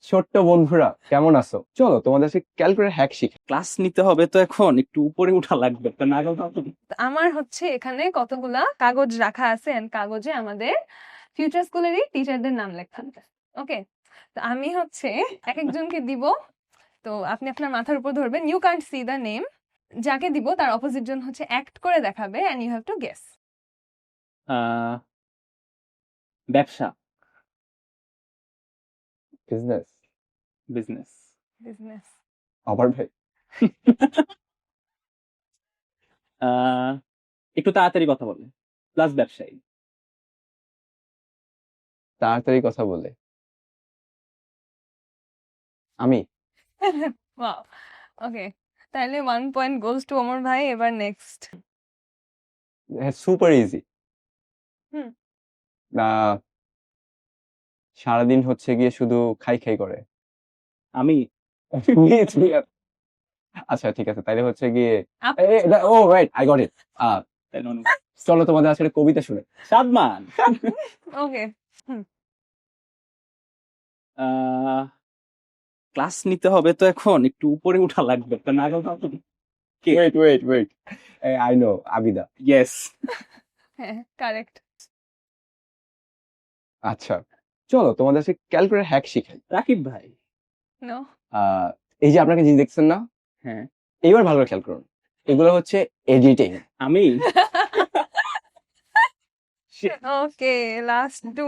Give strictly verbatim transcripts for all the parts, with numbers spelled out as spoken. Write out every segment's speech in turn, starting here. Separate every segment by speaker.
Speaker 1: ছোট্ট বন্ধুরা কেমন আছো? চলো তোমাদের সাথে ক্যালকুলেটর হ্যাক শিখি।
Speaker 2: ক্লাস নিতে হবে তো এখন একটু উপরে উঠা লাগবে তো না গেলে হবে না।
Speaker 3: তো আমার হচ্ছে এখানে কতগুলা কাগজ রাখা আছে এন্ড কাগজে আমাদের ফিউচার স্কুলেরই টিচারদের নাম লেখা আছে। ওকে, তো আমি হচ্ছে এক একজনকে দিব, তো আপনি আপনার মাথার উপর ধরবেন, you can't see the name. যাকে দিব তার অপোজিট জন হচ্ছে অ্যাক্ট করে দেখাবে and you have to guess.
Speaker 2: আহ, ব্যবসা,
Speaker 1: বিজনেস।
Speaker 2: বিজনেস।
Speaker 3: বিজনেস।
Speaker 1: আবার ভাই
Speaker 2: একটু তাড়াতাড়ি কথা বলে প্লাস ব্যবসায়ী।
Speaker 1: তাড়াতাড়ি কথা বলে আমি
Speaker 3: ওয়াও, ওকে, তাহলে one point goes to Omar ভাই। এবার নেক্সট।
Speaker 1: Super easy.
Speaker 3: হুম।
Speaker 1: সারাদিন হচ্ছে গিয়ে শুধু খাই খাই করে।
Speaker 2: আমি
Speaker 1: আচ্ছা ঠিক আছে, তাইলে হচ্ছে গিয়ে
Speaker 3: আপ-
Speaker 1: এ, এ, oh right, I got it.
Speaker 2: তাই নয়।
Speaker 1: চলো তোমাদের আজকে একটা কবিতা শুনে।
Speaker 2: সাদমান।
Speaker 3: ওকে,
Speaker 2: ক্লাস নিতে হবে তো এখন একটু উপরে উঠা লাগবে তো না গেলে হবে না। কে?
Speaker 1: Wait wait wait, I know, Abida.
Speaker 2: Yes.
Speaker 3: হ্যাঁ কারেক্ট।
Speaker 1: আচ্ছা চলো তোমাদের আজকে ক্যালকুলেটর হ্যাক শিখাই।
Speaker 2: রাকিব ভাই।
Speaker 3: নো।
Speaker 1: আহ, এই যে আপনাকে জিনিস দেখছেন না,
Speaker 2: হ্যাঁ
Speaker 1: এইবার ভালো করে খেয়াল করুন, এগুলো হচ্ছে এডিটিং।
Speaker 2: আমি।
Speaker 3: Okay, last two.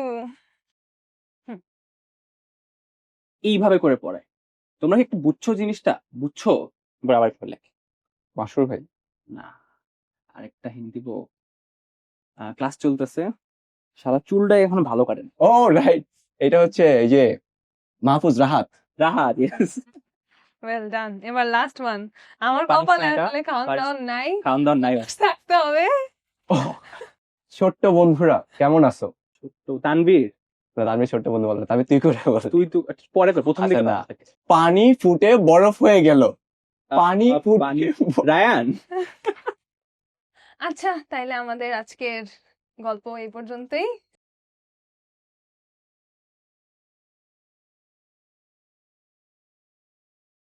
Speaker 2: এইভাবে করে পড়ায়, তোমরা কি একটু বুঝছো জিনিসটা? বুঝছো? এবার আবার পড়লে
Speaker 1: মাসুর ভাই,
Speaker 2: না, আরেকটা হিন্দি দিব। ক্লাস চলতেছে, সারা চুলটাই এখন ভালো কাটেন।
Speaker 1: ও রাইট, এটা হচ্ছে এই যে Mahfuz Rahat.
Speaker 2: Rahat, yes.
Speaker 3: Well done. এবার লাস্ট ওয়ান। আমার
Speaker 2: পারিস
Speaker 3: কপালে
Speaker 2: না এটা?
Speaker 3: আসলে কাউন্টডাউন নাই,
Speaker 2: খাওয়ান দাওয়ান নাই।
Speaker 3: থাকতে হবে।
Speaker 1: ও, ছোট্ট বন্ধুরা কেমন আছো?
Speaker 2: তো তানভীর,
Speaker 1: না, আমি ছোট্ট বন্ধু বললাম, আমি তুই করে বল।
Speaker 2: তুই তো পরে কর, প্রথম দিকে
Speaker 1: আচ্ছা, না।
Speaker 2: বল।
Speaker 1: পানি ফুটে বরফ হয়ে গেল। পানি
Speaker 2: আহ,
Speaker 1: ফুটে
Speaker 2: পানি। রায়ান।
Speaker 3: আচ্ছা, তাইলে আমাদের আজকের গল্প এই পর্যন্তই।